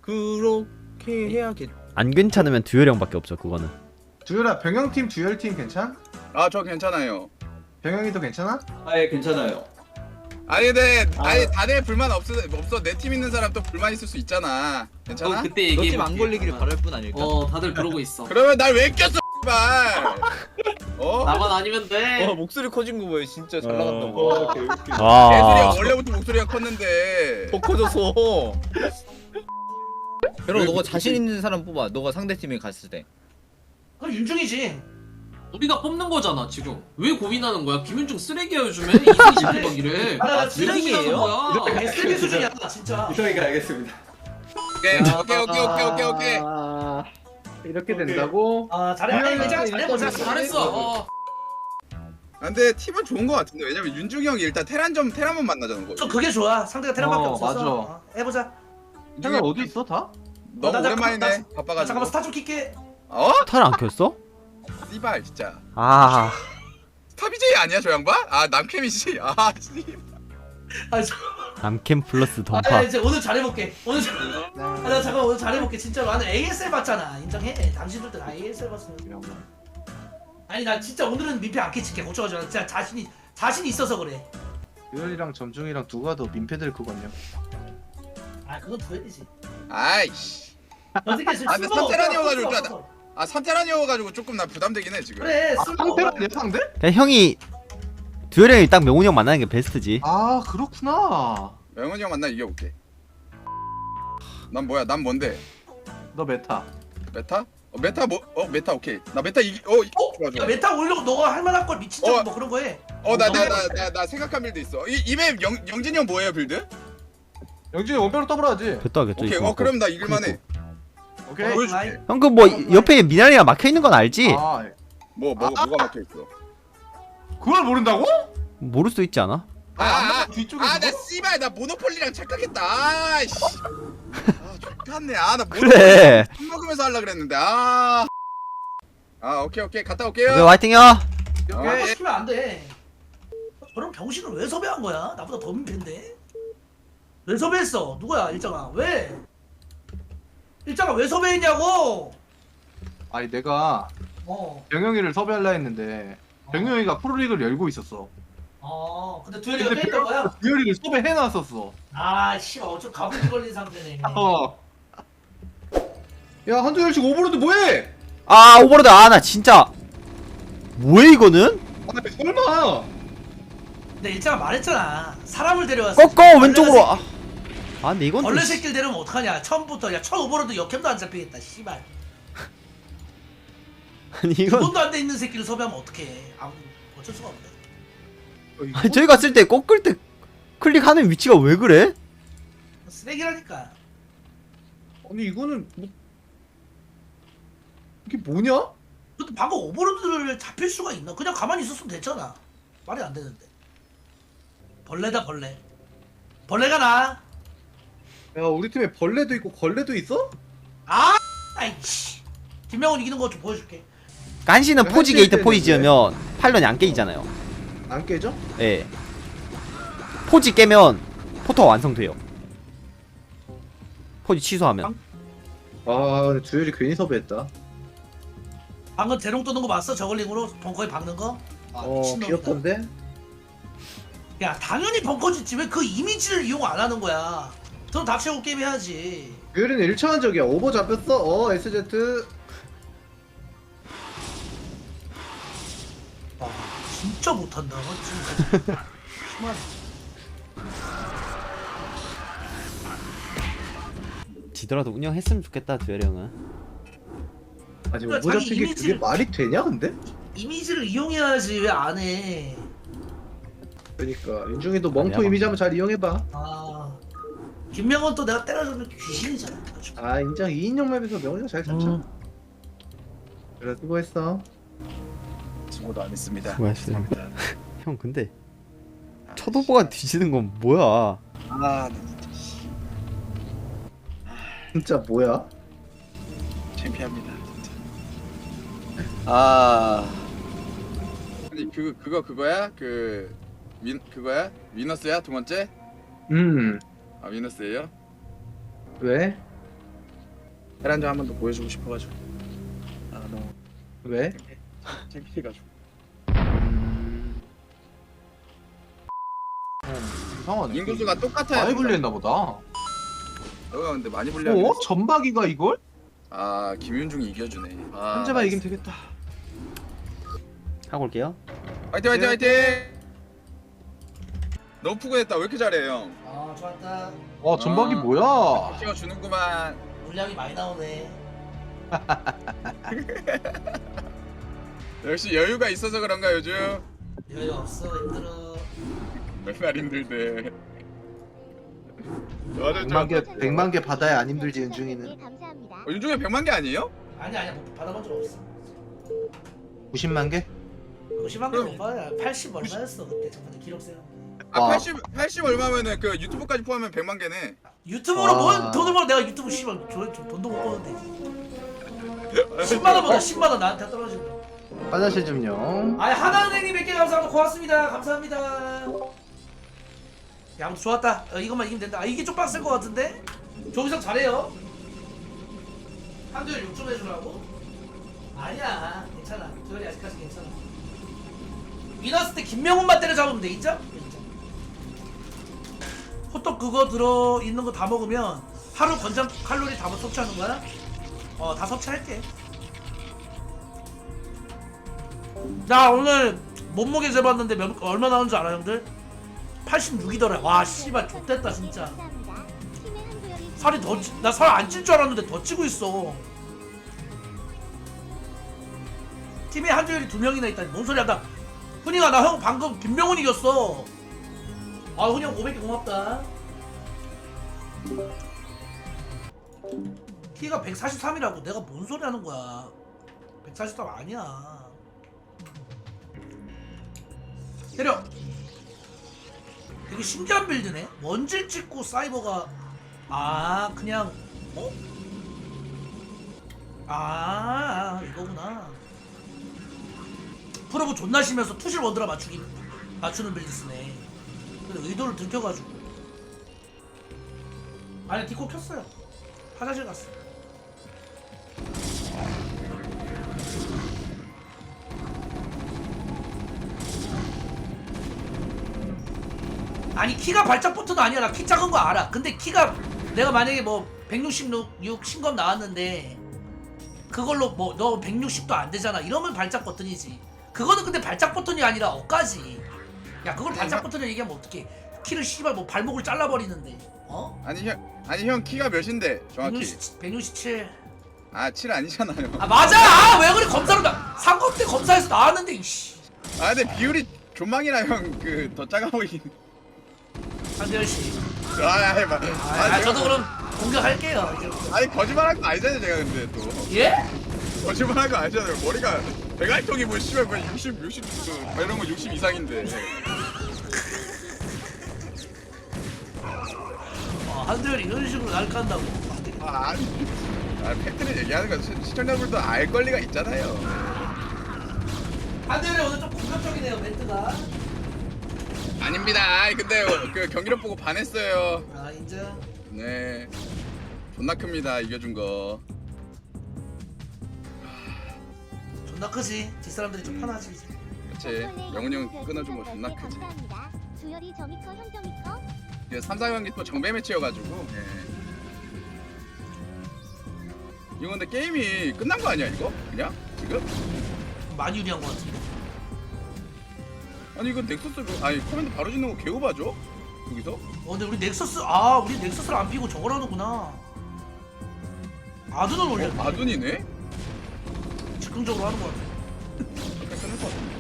그렇게 해야겠. 안 괜찮으면 듀얼 형밖에 없죠 그거는. 듀얼아 병영팀 듀얼팀 괜찮? 아 저 괜찮아요. 병영이도 괜찮아? 아예 괜찮아요. 아니 근데 아니 다들 불만 없어 내 팀 있는 사람 또 불만 있을 수 있잖아. 괜찮아? 그때 얘기해. 너팀 안 걸리기를 바랄 뿐 아닐까? 다들 그러고 있어. 그러면 날 왜 꼈어 발. 나만 아니면 돼. 목소리 커진 거 보여. 진짜 잘 나간다고. 애들이 아 원래부터 목소리가 컸는데. 더 커져서. 여러분 너가 자신 있는 사람 뽑아. 너가 상대 팀에 갔을 때. 그럼 윤중이지. 우리가 뽑는 거잖아 지금. 왜 고민하는 거야? 김윤중 쓰레기야 요즘에. 이승이 잡히막 이래. 나 쓰레기라는 거야. SB 수준이야 진짜. 이성이가 알겠습니다. 오케이. 이렇게 된다고? 잘해. 이제 잘해보자. 잘했어. 근데 팀은 좋은 거 같은데 왜냐면 윤중이 형이 일단 테란만 만나자는 거. 좀 그게 좋아. 상대가 테란밖에 없어서. 맞아. 해보자. 형이 어디 있어 다? 너무 나 오랜만이네. 나 바빠가지고. 잠깐만 스타 좀 킬게. 어? 탈 안 켰어? 씨발 진짜. 아 스타 BJ 아니야 저 양반? 아 남캠이지. 아 씨. 남캠 플러스 던파. 이제 오늘 잘해볼게. 나 잠깐 오늘 잘해볼게. 진짜로 나는 ASL 봤잖아. 인정해. 당신들도 다 ASL 봤어. 아니 나 진짜 오늘은 민폐 안 끼칠게. 걱정하지 마. 진짜 자신이 있어서 그래. 듀얼이랑 점중이랑 누가 더 민폐들 그거냐? 그건 듀얼이지. 아이씨. 어떻게 지금 근데 산테란이어가지고 산테란이어가지고 조금 나 부담되긴 해 지금. 그래. 상대가 내 상대? 그냥 형이 듀얼 형이 딱 명훈이 형 만나는 게 베스트지. 아 그렇구나. 영훈이 형 만나 이겨볼게. 난 뭐야? 난 뭔데? 너 메타. 메타? 메타 뭐? 메타 오케이. 나 메타 좋아. 야 메타 올려고 너가 할 만한 걸 미친 척 뭐 그런 거 해. 나 생각한 빌드 있어. 이맵 영진이 형 뭐예요 빌드? 영진이 원배로 더블하지. 됐다겠죠. 오케이. 이거. 그럼 나 이길만해. 오케이. 보여줄게. 형 그 뭐 옆에 미나리가 막혀 있는 건 알지? 뭐가 막혀 있어? 그걸 모른다고? 모를 수도 있지 않아? 뒤쪽에서. 나 씨발 나 모노폴리랑 착각했다. 아이씨. 좋겠네. 나 그래. 술 먹으면서 하려 그랬는데. 오케이. 갔다 올게요. 오케이 화이팅요. 하고 싶으면 안 돼. 저런 병신을 왜 섭외한 거야? 나보다 더 민폐인데? 왜 섭외했어? 누구야 일장아? 왜? 일장아 왜 섭외했냐고? 아니 내가 병영이를 섭외하려 했는데 병영이가 프로리그를 열고 있었어. 근데 듀얼이가 뺏던 거야? 듀얼이를 섭외해놨었어. 씨발 어쩜 가불이 걸린 상태네. 야 한두열씩 오버로드 뭐해? 오버로드 나 진짜 뭐야 이거는? 설마. 근데 일장아 말했잖아. 사람을 데려왔어. 꺾어 왼쪽으로. 근데 이건 벌레 좀 새끼를 데려오면 어떡하냐? 처음부터 첫 오버로드 역캠도 안 잡히겠다. 씨발. 아니 이건 돈도 안 돼 있는 새끼를 섭외하면 어떡해? 어쩔 수가 없네. 아니, 저희가 쓸 때 꺾을 때 클릭하는 위치가 왜 그래? 쓰레기라니까. 아니 이거는 뭐 이게 뭐냐? 근데 방금 오버로드를 잡힐 수가 있나? 그냥 가만히 있었으면 됐잖아. 말이 안 되는데. 벌레다 벌레. 벌레가 나. 야 우리 팀에 벌레도 있고 걸레도 있어? 아이씨. 김명훈 이기는 거 좀 보여줄게. 간신은 포지 한시일 게이트 때는 포지 왜? 지으면 팔런이 안 깨지잖아요. 안 깨져? 예. 포지 깨면 포터가 완성돼요. 포지 취소하면. 근데 듀얼이 괜히 섭외했다. 방금 대롱 뜨는 거 봤어? 저글링으로 벙커에 박는 거? 미친놈이다. 귀엽던데? 야 당연히 벙커 짓지. 왜 그 이미지를 이용 안 하는 거야? 돈 다 채우고 게임 해야지. 듀얼이는 1차원적이야. 오버 잡혔어. SZ. 진짜 못한다. 진짜. 심하네. 지더라도 운영했으면 좋겠다 듀얼 형은. 아니 그러니까 오버 자기 잡힌 게 그게 이미지를- 말이 되냐 근데? 이미지를 이용해야지 왜 안 해? 그러니까 윤중이도 멍토 아니야, 이미지 한번 잘 이용해봐. 김명훈 또 내가 때려주면 귀신이잖아. 인정. 2인용 맵에서 명훈이가 잘 잡자. 그래 수고했어. 수고도 안 했습니다. 수고하셨습니다. 형 근데 첫 오버가 뒤지는 건 뭐야? 나 진짜 뭐야? 창피합니다. 진짜. 아니 그거야? 그거야? 위너스야 두 번째? 위너스예요? 왜? 테란전 한 번 더 보여주고 싶어가지고. 아 너무 왜? 창피해가지고. 이상하네. 인구수가 똑같아요. 많이 불리했나 보다. 너가 근데 많이 불리하. 전박이가 이걸? 아 김윤중이 이겨주네. 아, 현재만 이기면 되겠다. 하고 올게요. 화이팅 화이팅 화이팅. 너무 푸근했다. 왜 이렇게 잘해 형? 아 좋았다. 전박이 뭐야? 키워주는구만. 물량이 많이 나오네. 역시 여유가 있어서 그런가 요즘. 여유 없어 힘들어. 맨날 힘들대. 100만 개 받아야 안 힘들지 윤중이는. 윤중에 100만 개 아니에요? 아니야 뭐 받아본 적 없어. 90만 개? 50만 개 못 받아. 80 얼마였어 그때 저번에 기록 세운 거. 아 와. 80 얼마면은 그 유튜브까지 포함하면 100만 개네. 유튜브로 와. 뭔 돈을 벌어. 내가 유튜브 씨발 돈도 못 버는데 10만 원보다 10만 원 나한테 떨어진다. 화장실 좀요. 아니 하나은행님 100개 감사합니다. 고맙습니다. 감사합니다. 야 아무튼 좋았다. 이것만 이기면 된다. 아 이게 좀 빡셀 것 같은데? 조기성 잘해요. 한두열 6좀 해주라고? 아니야 괜찮아. 두열이 아직까지 괜찮아. 위너스 때 김명훈만 때려잡으면 돼 있죠? 호떡 그거 들어있는 거 다 먹으면 하루 권장 칼로리 다 섭취하는 거야? 다 섭취할게. 나 오늘 몸무게 재봤는데 얼마 나온 줄 알아 형들? 86이더라. 와 씨발 좆됐다 진짜. 살이 나 살 안 찔 줄 알았는데 더 찌고 있어. 팀에 한조열이 2명이나 있다니 뭔 소리야. 나 훈이가 나 형 방금 김명훈 이겼어. 아 훈이 형 500개 고맙다. 키가 143이라고. 내가 뭔 소리 하는 거야. 143 아니야. 때려. 되게 신기한 빌드네. 원질 찍고 사이버가 그냥 이거구나. 프로브 존나 쉬면서 투실 원드라 맞추는 빌드 쓰네. 근데 의도를 들켜가지고. 아니 디코 켰어요. 화장실 갔어. 아니 키가 발작 버튼도 아니야. 나 키 작은 거 알아. 근데 키가 내가 만약에 뭐 166 신검 나왔는데 그걸로 뭐 너 160도 안 되잖아. 이러면 발작 버튼이지. 그거는 근데 발작 버튼이 아니라 억까지. 야 그걸 발작 버튼을 얘기하면 어떡해. 키를 씨발 뭐 발목을 잘라버리는데. 아니 형 키가 몇인데 정확히? 167. 아 7 아니잖아요. 아 맞아. 왜 그래. 검사로 상검 때 검사에서 나왔는데 이씨. 아 근데 비율이 존망이라 형 그 더 작아 보이긴. 한대열 씨. 저도 그럼 공격할게요. 이제. 아니 거짓말한 거 아니잖아요 제가 근데 또. 예? 거짓말한 거 아니잖아요. 머리가 백알통이 뭐 씨발 뭐 60 이런 거 60 이상인데. 한대열이 이런 식으로 날 깐다고. 아니 팩트를 얘기하는 건 시청자분들도 알 권리가 있잖아요. 한대열이 오늘 좀 공격적이네요 멘트가. 아닙니다. 아니 근데 그 경기력 보고 반했어요. 인정. 네. 존나 큽니다 이겨준 거. 존나 크지. 뒷사람들이 좀 편하지 이제. 그치. 영훈이 형 끊어준 거 존나 크지. 주열이 저미커 형 저미커. 3, 4경기 또 정배 매치여가지고. 예. 이거 근데 게임이 끝난 거 아니야 이거? 그냥? 지금? 많이 유리한 것 같은데. 아니 이거 넥서스 아니 커맨드 바로 짓는 거 개오바죠? 여기서? 근데 우리 넥서스를 안 피고 저걸 하는구나. 아둔은 올렸네. 아둔이네? 즉흥적으로 하는 것 같아. 잠깐 끊을 것 같은데.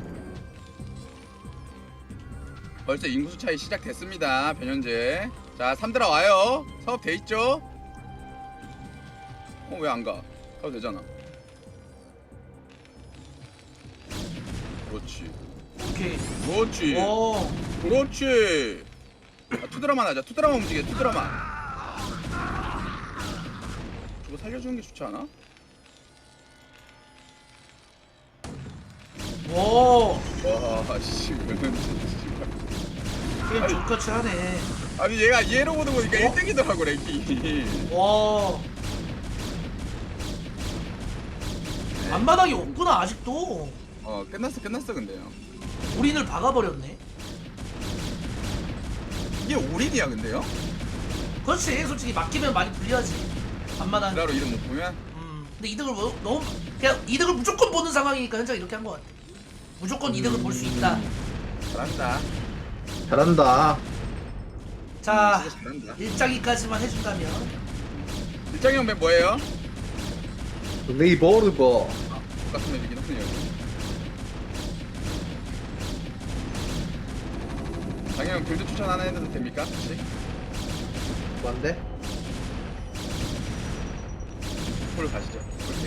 벌써 인구수 차이 시작됐습니다 변현재. 자 3드라 와요. 사업 돼있죠? 왜 안 가? 가도 되잖아. 그렇지. 오케이. 그렇지. 오. 그렇지. 투드라만 하자. 투드라만 움직여. 투드라만. 저거 살려주는 게 좋지 않아? 오. 와, 씨, 이거는 게임 족같이 하네. 아니 얘가 얘로 보는 거니까 1등이더라고 랭킹이. 와. 앞마당이 없구나 아직도. 끝났어 근데요. 올인을 박아버렸네. 이게 올인이야 근데요? 그렇지 솔직히 맡기면 많이 불리하지. 앞마당. 드라로 이름 못 보면 근데 이득을 너무 그냥 이득을 무조건 보는 상황이니까 현장 이렇게 한 것 같아. 무조건 이득을 볼 수 있다. 잘한다. 잘한다. 자 진짜 잘한다. 일장이까지만 해준다면. 일장이 형맨 뭐예요? 레이버르버. 똑같은 맵이긴 하네요. 장형 글드 추천 하나 해도 됩니까? 혹시? 뭔데? 폴 가시죠. 그렇게.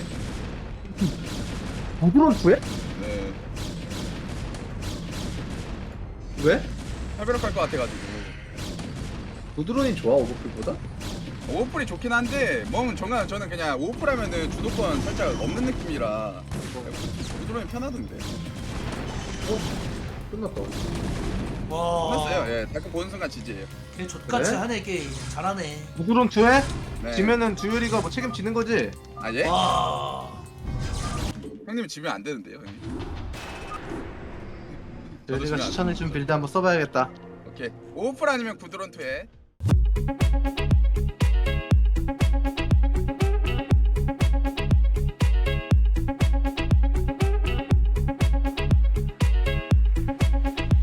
부드러운투에? 네. 왜? 활벼락할 것 같아가지고. 부드러운이 좋아 오버풀보다? 오버풀이 좋긴 한데 저는 그냥 오버풀 하면은 주도권 살짝 없는 느낌이라 부드러움이 편하던데. 끝났다. 와. 끝났어요. 예, 가끔 보는 순간 지지예요. 걔 족같이 그래? 하네 게임. 잘하네. 부드러운투에? 네. 지면은 주열이가 뭐 책임지는 거지? 아 예? 와. 형님 지면 안 되는데요, 형님. 주열이가 지면 안 추천해준 빌드 한번 써봐야겠다. 오케이. 오버풀 아니면 구드론 투에.